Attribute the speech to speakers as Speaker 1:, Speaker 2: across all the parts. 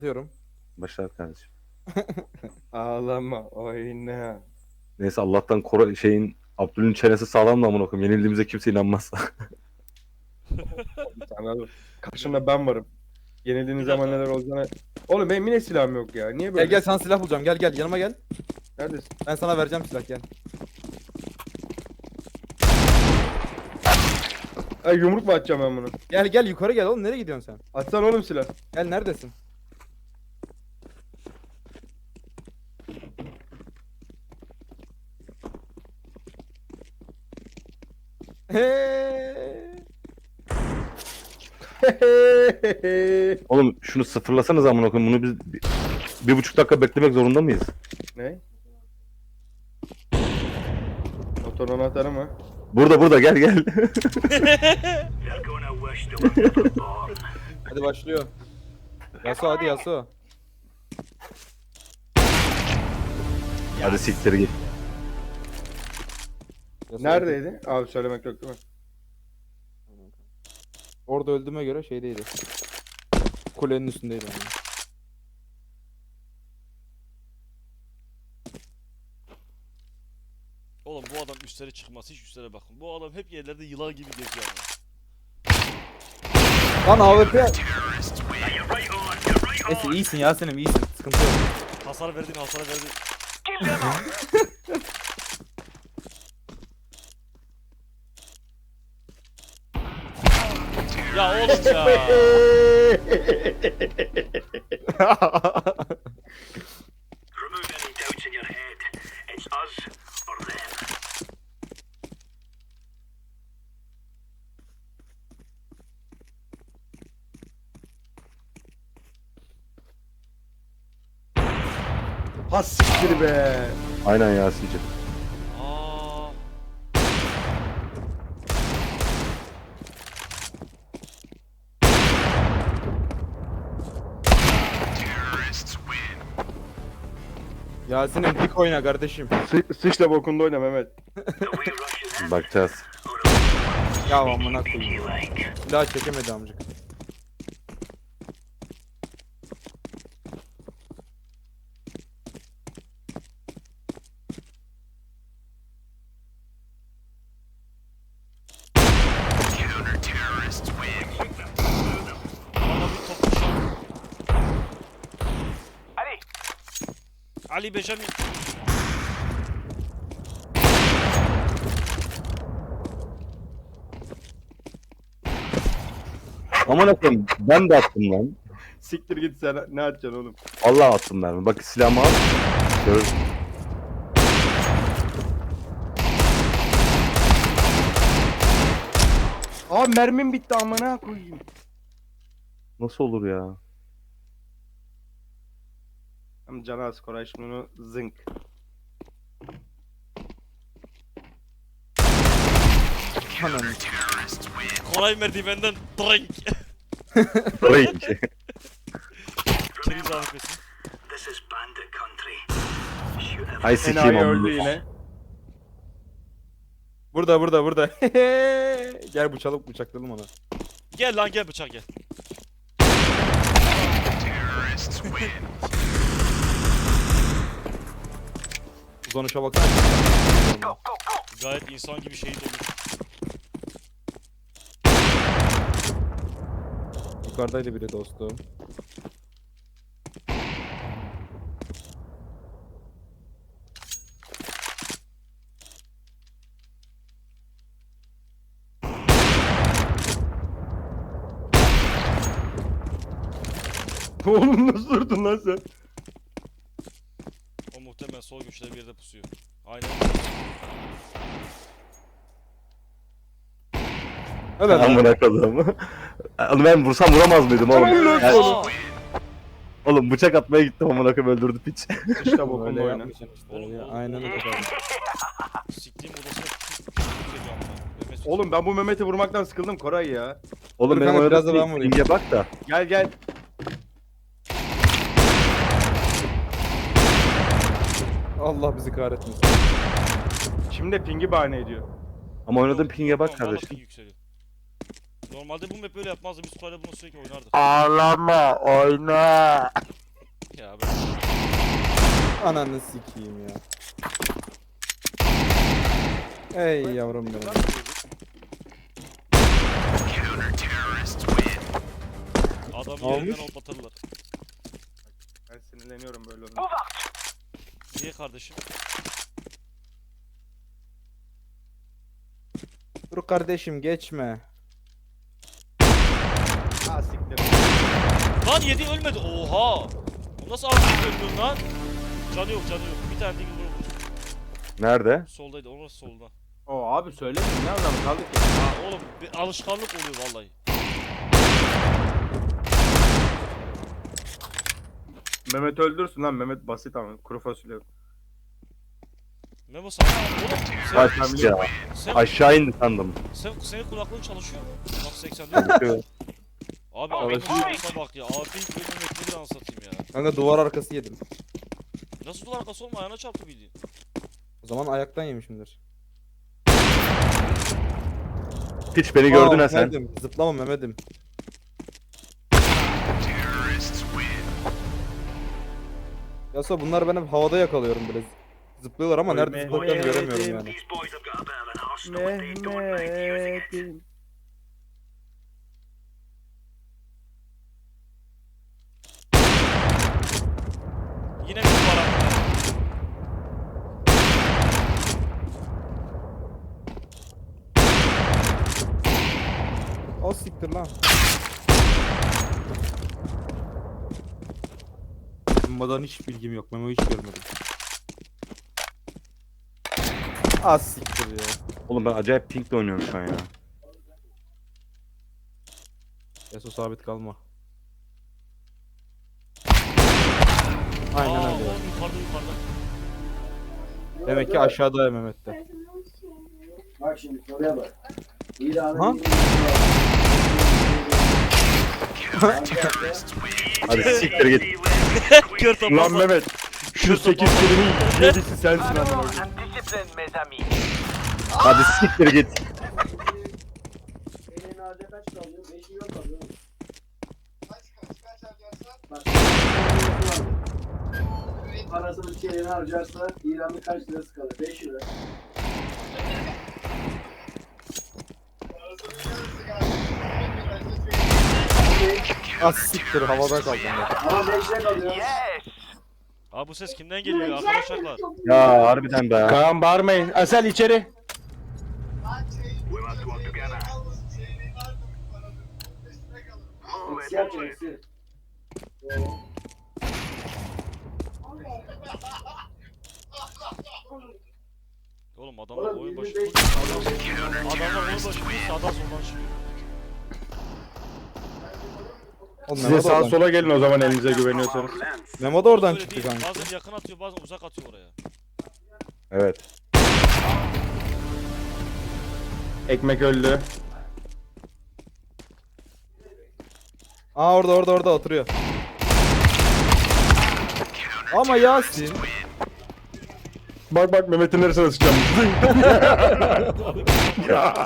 Speaker 1: Diyorum.
Speaker 2: Başlar kardeşim.
Speaker 3: Ağlama oyna.
Speaker 2: Neyse Allah'tan Abdül'ün çenesi sağlam da amına koyayım. Yenildiğimize kimse inanmaz.
Speaker 3: Sana karşımda ben varım. Yenildiğiniz
Speaker 4: Bir dakika.
Speaker 3: zaman neler olacağını... Oğlum benim yine silahım yok ya. Niye
Speaker 1: Gel
Speaker 3: böyle?
Speaker 1: gel sana silah bulacağım. Gel gel yanıma gel.
Speaker 3: Neredesin?
Speaker 1: Ben sana vereceğim silah gel.
Speaker 3: Ay yumruk mu atacağım ben bunu?
Speaker 1: Gel gel yukarı gel oğlum nereye gidiyorsun sen?
Speaker 3: Atsana oğlum silah.
Speaker 1: Gel neredesin?
Speaker 2: Oğlum şunu sıfırlasanız amına koyayım. Bunu biz 1,5 dakika beklemek zorunda mıyız?
Speaker 3: Ne? Motor anahtarı mı?
Speaker 2: Burada gel gel.
Speaker 1: Hadi başlıyor. Yasuo hadi Yasuo.
Speaker 2: Hadi siktir git.
Speaker 1: Yasuo
Speaker 3: Neredeydi? Abi söylemek yok değil mi?
Speaker 1: Orada öldüğüme göre şeydeydi. Kulenin üstündeydi. Yani.
Speaker 4: Oğlum bu adam üstlere çıkması hiç üstlere bakın. Bu adam hep yerlerde yılan gibi geziyor ama.
Speaker 1: Lan AWP. Neyse iyisin Yasin'im iyisin. Sıkıntı yok.
Speaker 4: Hasar verdin. Ya oğlum ya.
Speaker 5: Remove any doubts in your head. It's us or them.
Speaker 3: Ha siktir be.
Speaker 2: Aynen Yasin'cim.
Speaker 4: Aa.
Speaker 1: Yasin'im dik oyna kardeşim.
Speaker 3: Sıçla bokunda oyna Mehmet.
Speaker 5: The way Russian in
Speaker 2: Bakacağız.
Speaker 1: Ya amına koyayım.
Speaker 5: you like.
Speaker 1: Silah çekemedi amcık.
Speaker 4: Bana bir top düşer. Ali Benjamin.
Speaker 2: Amına koyayım ben de attım lan.
Speaker 3: Siktir git sen ne atacaksın oğlum?
Speaker 2: Vallahi attım ben. Bak silahımı al. Gör.
Speaker 3: Abi mermim bitti amına koyayım.
Speaker 2: Nasıl olur ya?
Speaker 3: Ama canı az Koray şimdi onu zınk.
Speaker 1: Ananı.
Speaker 4: Koray merdivenden drink.
Speaker 2: Range.
Speaker 4: Keriz AFP'si.
Speaker 5: This is bandit country. Shoot every
Speaker 2: Ay sikeyim
Speaker 3: Enayi
Speaker 2: amına.
Speaker 3: öldü yine.
Speaker 1: Burada. Gel bıçaklayalım ona.
Speaker 4: Gel lan gel bıçak gel.
Speaker 1: Uzanışa baksana.
Speaker 4: Gayet insan gibi şehit olmuş.
Speaker 1: Yukarıdaydı biri dostum.
Speaker 3: Oğlum nasıl durdun lan sen?
Speaker 4: O muhtemelen sol köşede bir yerde pusuyor. Aynen.
Speaker 1: Helal lan.
Speaker 2: Amına koyayım. Onu ben vursam vuramaz mıydım oğlum? Ya,
Speaker 4: Aa!
Speaker 2: oğlum bıçak atmaya gittim amına koyayım öldürdü piç.
Speaker 3: Sıçla bokunda
Speaker 1: Öyle
Speaker 3: oyna.
Speaker 1: yapmayacaksın işte.
Speaker 4: Oğlum,
Speaker 1: Ya,
Speaker 4: oğlum,
Speaker 1: aynen
Speaker 4: oğlum.
Speaker 1: öyle kardeşim.
Speaker 4: Siktiğim odasına geliyor ama.
Speaker 3: Oğlum ben bu Mehmet'i vurmaktan sıkıldım Koray ya.
Speaker 2: Oğlum
Speaker 1: Dur
Speaker 2: benim
Speaker 1: kanka, biraz da ben
Speaker 2: oynadığım
Speaker 1: vurayım.
Speaker 2: pinge bak da.
Speaker 3: Gel.
Speaker 1: Allah bizi kahretmesin.
Speaker 3: Şimdi de pingi bahane ediyor.
Speaker 2: Ama oynadığım pinge bak
Speaker 4: Tamam, bana
Speaker 2: kardeşim.
Speaker 4: ping yükseliyor. Normalde bu map böyle yapmazdı. Biz Kore'de bunu sürekli oynardık.
Speaker 2: Ağlama oyna.
Speaker 4: Ya ben
Speaker 1: Ananı sikeyim ya. Ey yavrum benim.
Speaker 4: adamı
Speaker 1: Olmuş.
Speaker 4: yerinden hoplatırlar.
Speaker 3: Ben sinirleniyorum böyle olunca.
Speaker 4: Niye kardeşim?
Speaker 1: Dur kardeşim geçme.
Speaker 3: Ha siktir.
Speaker 4: Lan 7 ölmedi. Oha! Bu nasıl artık öldün lan? Canı yok canı yok. Bir tane değil vurur.
Speaker 2: Nerede?
Speaker 4: Soldaydı. Orası solda.
Speaker 3: Oo abi söylemeyin ne anlamı kaldı ki?
Speaker 4: Ha oğlum bir alışkanlık oluyor vallahi.
Speaker 3: Mehmet öldürsün lan Mehmet basit ama kuru fasulye.
Speaker 4: Memo sana oğlum
Speaker 2: Kaç ya.
Speaker 4: sen,
Speaker 2: Aşağı indi sandım.
Speaker 4: senin kulaklığın çalışıyor. Bak 84. Abi
Speaker 1: Çalışıyor.
Speaker 4: AP'ye bak ya. AP'yi bölmemek nedir anlatayım ya.
Speaker 1: Kanka duvar arkası yedim.
Speaker 4: Nasıl duvar arkası olma ayağına çarptı bildiğin.
Speaker 1: O zaman ayaktan yemişimdir.
Speaker 2: Hiç beni gördün
Speaker 1: Aa,
Speaker 2: ha sen.
Speaker 1: Mehmet'im, zıplama Mehmet'im. Yasa bunlar ben hep havada yakalıyorum böyle. Zıplıyorlar ama nerede
Speaker 3: Mehmet.
Speaker 1: zıpladıklarını göremiyorum yani.
Speaker 5: These boys have got a bit of an arsenal if they don't mind using it.
Speaker 3: Mehmet'im.
Speaker 4: Yine bir duvar arkası.
Speaker 1: O siktir lan. Memo'dan hiç bilgim yok. Memo hiç görmedim. Az siktir ya.
Speaker 2: Oğlum ben acayip pinkle oynuyorum şu an ya.
Speaker 1: Eso sabit kalma. Aynen
Speaker 4: Aa,
Speaker 1: öyle.
Speaker 4: oğlum yukarıda yukarıda.
Speaker 1: Demek ki aşağıda ya Mehmet'te.
Speaker 6: Bak şimdi soruya bak. İran'ın
Speaker 1: Ha?
Speaker 2: Hadi siktir git.
Speaker 4: Kör
Speaker 3: Lan
Speaker 4: tapazla.
Speaker 3: Mehmet. Şu 8 kelimeyi yedisi sensin amına.
Speaker 2: Hadi siktir git.
Speaker 6: Senin harca kaç kalıyor? 5 milyon kalıyor. Bak. Parasını çeyreğine harcarsa İran'ın kaç lirası kalır? 5 lira.
Speaker 1: Az siktir havada kaldım. ya.
Speaker 6: Ama 5 lira kalıyor.
Speaker 4: Abi bu ses kimden geliyor ya arkadaşlar?
Speaker 2: Ya harbiden be.
Speaker 3: Kaan bağırmayın. Asel içeri.
Speaker 5: We must work together. Move
Speaker 6: Eksi
Speaker 5: it,
Speaker 6: yapacak
Speaker 5: move it.
Speaker 6: eksi.
Speaker 4: Oğlum adamlar
Speaker 6: Oğlum
Speaker 4: oyun başı
Speaker 6: 25
Speaker 4: adamlar oyun başı değil sağdan soldan çıkıyor.
Speaker 1: Oğlum
Speaker 3: Size
Speaker 1: Memo da
Speaker 3: sağ
Speaker 1: oradan,
Speaker 3: sola gelin o zaman elinize güveniyorsanız.
Speaker 1: Memo da oradan
Speaker 4: Öyle
Speaker 1: çıktı
Speaker 4: değil.
Speaker 1: kanka.
Speaker 4: Bazen yakın atıyor bazen uzak atıyor oraya.
Speaker 2: Evet.
Speaker 3: Ekmek öldü.
Speaker 1: Aa orada oturuyor. Ama Yasin.
Speaker 3: Bak bak Mehmet'in neresine sıçacağım. Ya.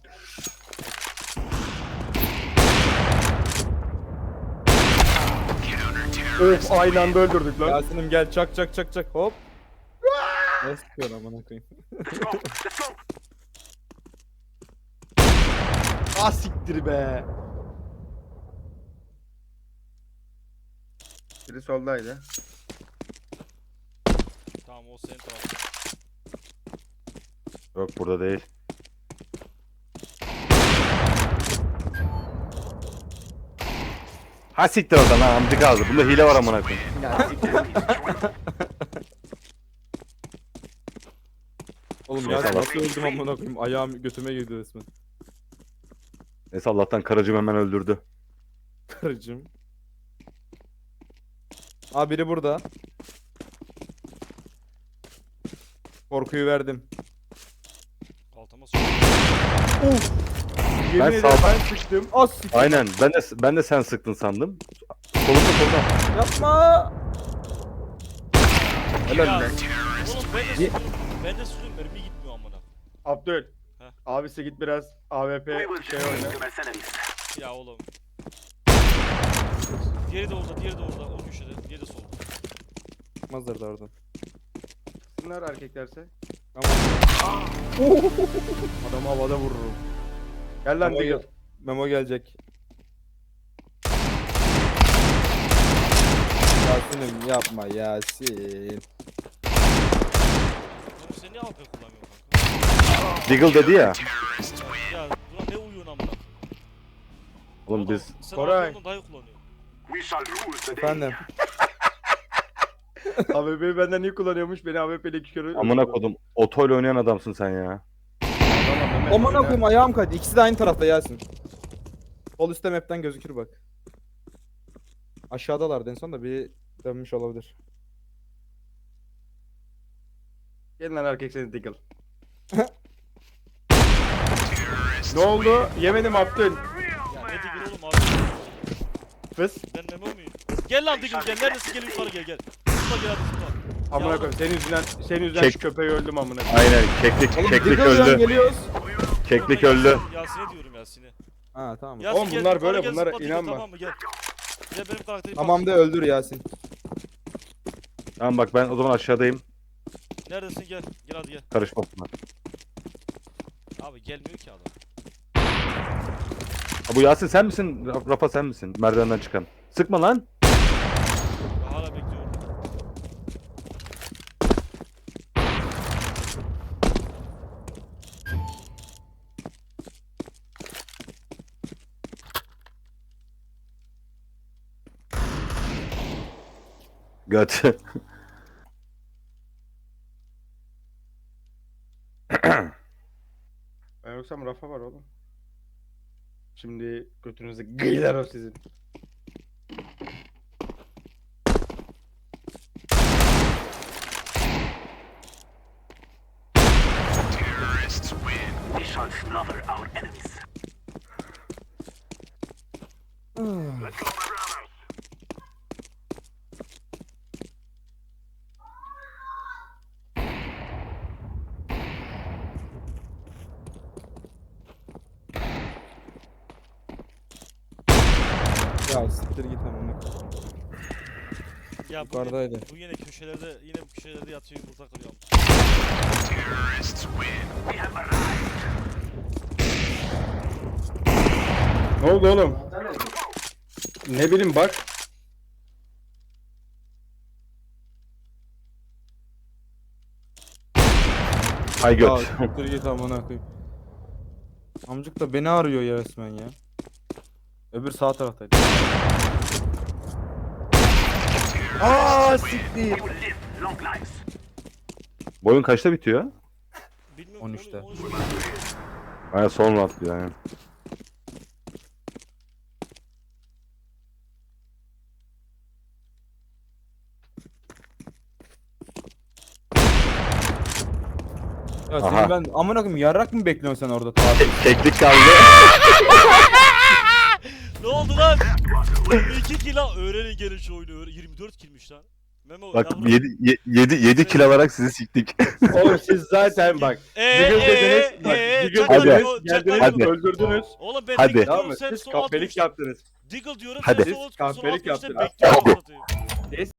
Speaker 3: Öf aynı anda öldürdük lan.
Speaker 1: Yasin'im gel çak hop. Ne sıkıyorsun amına koyayım.
Speaker 3: Ah siktir be. Biri soldaydı.
Speaker 4: Tamam o senin tarafın.
Speaker 2: Yok burada değil. Ha siktir oradan ha amcık ağzı. Bunda hile var amına koyayım.
Speaker 1: Oğlum
Speaker 2: Neyse,
Speaker 1: Yasin
Speaker 2: Allah.
Speaker 1: nasıl öldüm amına koyayım. Ayağım götüme girdi resmen.
Speaker 2: Neyse Allah'tan karıcım hemen öldürdü.
Speaker 1: Karıcığım. Aa biri burada. Korkuyu verdim.
Speaker 4: Altıma sokuyor.
Speaker 3: Yemin
Speaker 2: Ben
Speaker 3: ederim
Speaker 2: sağ-
Speaker 3: ben sıktım.
Speaker 1: Az siktir.
Speaker 2: Aynen ben de sen sıktın sandım. Solunda.
Speaker 1: Yapma.
Speaker 3: Helal
Speaker 4: Ya,
Speaker 3: lan.
Speaker 4: oğlum ben de sıkıyorum. Ben de sıkıyorum mermi gitmiyor amına.
Speaker 3: Abdül. Abisi git biraz AWP
Speaker 5: We will
Speaker 3: şey
Speaker 5: defeat
Speaker 3: oyna.
Speaker 5: the mercenaries.
Speaker 4: Ya oğlum. Diğeri de orada, diğeri de orada. O köşede, diğeri de solda.
Speaker 1: Çıkmazlar da oradan.
Speaker 3: Bunlar erkeklerse.
Speaker 1: Tamam.
Speaker 3: Adamı havada vururum. Gel lan
Speaker 1: Memo,
Speaker 3: Diggle.
Speaker 1: Memo gelecek. Yasin'im yapma Yasin.
Speaker 4: Oğlum sen niye AWP kullanmıyorsun kanka?
Speaker 2: Diggle dedi ya.
Speaker 4: Ya ulan ne uyuyorsun amına?
Speaker 2: Oğlum biz
Speaker 4: Sen
Speaker 3: Koray.
Speaker 4: AWP'den daha iyi kullanıyorsun.
Speaker 5: We shall rule the day.
Speaker 1: Efendim.
Speaker 3: AWP'yi benden iyi kullanıyormuş. Beni AWP'yle 2 kere
Speaker 2: amına kodum otoyla oynayan adamsın sen ya.
Speaker 3: Tamam, Mehmet,
Speaker 1: Aman
Speaker 3: oyna.
Speaker 1: koyayım ayağım kaydı. İkisi de aynı tarafta Yasin. Sol üstte map'ten gözükür bak. Aşağıdalardı en son da bir dönmüş olabilir.
Speaker 3: Gelin lan erkek seni Diggle. Ne oldu? Yemedim Abdül.
Speaker 4: Ya ne Diggle oğlum abi?
Speaker 3: Fıs.
Speaker 4: Ben Memo muyum? Gel lan Diggle gel. Neredesin? Gel yukarı gel gel. Zıpla gel hadi zıpla.
Speaker 3: Amına
Speaker 4: Ya
Speaker 3: koyayım. Senin yüzünden
Speaker 2: Çek.
Speaker 3: şu köpeği öldüm amına koyayım.
Speaker 2: Aynen keklik
Speaker 1: Oğlum
Speaker 2: keklik
Speaker 1: Diggle yan
Speaker 2: öldü.
Speaker 1: geliyoruz.
Speaker 2: Keklik
Speaker 4: Oğlum ben
Speaker 2: öldü.
Speaker 4: Yasin'e diyorum Yasin'e.
Speaker 1: Ha tamam.
Speaker 4: Yasin
Speaker 3: Oğlum
Speaker 4: gel,
Speaker 3: bunlar
Speaker 4: yukarı
Speaker 3: böyle,
Speaker 4: gel,
Speaker 3: bunlara
Speaker 4: zıpla Diggle,
Speaker 3: inanma.
Speaker 4: Tamam mı gel. Gel benim karakterimi
Speaker 1: Tamam da öldür Yasin.
Speaker 2: Tamam bak ben o zaman aşağıdayım.
Speaker 4: Neredesin gel. Gel hadi gel.
Speaker 2: Karışma buna.
Speaker 4: Abi gelmiyor ki adam.
Speaker 2: Ha, bu Yasin sen misin? Rafa sen misin? Merdivenden çıkan. Sıkma lan.
Speaker 4: Ben hala bekliyorum.
Speaker 2: Göt.
Speaker 3: Ben yoksam Rafa var oğlum. Şimdi götünüzü gıylar o sizin.
Speaker 5: We shall slaughter our enemies. Let's go, my brothers.
Speaker 1: Ya siktir git amına.
Speaker 4: Ya bu
Speaker 1: Yukarıdaydı.
Speaker 4: bu yine köşelerde bu köşelerde yatıyor yumurta kırıyor.
Speaker 5: We have arrived.
Speaker 3: Ne oldu oğlum?
Speaker 6: Zaten öyle.
Speaker 3: Ne bileyim bak.
Speaker 2: Hay
Speaker 1: Ya
Speaker 2: göt.
Speaker 1: siktir git amına koyayım. Amcık da beni arıyor ya resmen ya. Öbür sağ taraftaydı. Aa siktir.
Speaker 5: We will live long lives.
Speaker 2: Bu oyun kaçta bitiyor?
Speaker 4: Bilmiyorum.
Speaker 1: 13'te.
Speaker 4: 13.
Speaker 2: Aynen son round diyor yani.
Speaker 1: Ya
Speaker 2: Aha.
Speaker 1: seni ben amına koyayım yarrak mı bekliyorsun sen orada tatil?
Speaker 2: Keklik kaldı.
Speaker 4: Ne oldu lan? 2 kill lan. Öğrenin gelin şu oyunu. 24 killmiş lan. Memo
Speaker 2: Bak
Speaker 4: yavrum.
Speaker 2: 7 kill alarak sizi siktik.
Speaker 3: Oğlum siz zaten bak. Diggle dediniz. Bak, Diggle
Speaker 4: çakal
Speaker 2: Hadi.
Speaker 3: dediniz.
Speaker 4: Memo,
Speaker 3: Geldiniz
Speaker 2: Hadi.
Speaker 3: öldürdünüz.
Speaker 4: Oğlum ben
Speaker 2: Hadi.
Speaker 4: Diggle
Speaker 3: Tamam
Speaker 4: diyorum
Speaker 3: mı?
Speaker 4: sen
Speaker 3: Siz
Speaker 4: sol alt
Speaker 3: kahpelik
Speaker 4: köşede.
Speaker 3: yaptınız.
Speaker 4: Diggle diyorum
Speaker 2: Hadi.
Speaker 4: sen sol alt
Speaker 3: Kahpelik
Speaker 4: köşede
Speaker 3: yaptın.
Speaker 4: bekliyorsun.
Speaker 2: Hadi.
Speaker 4: satayım.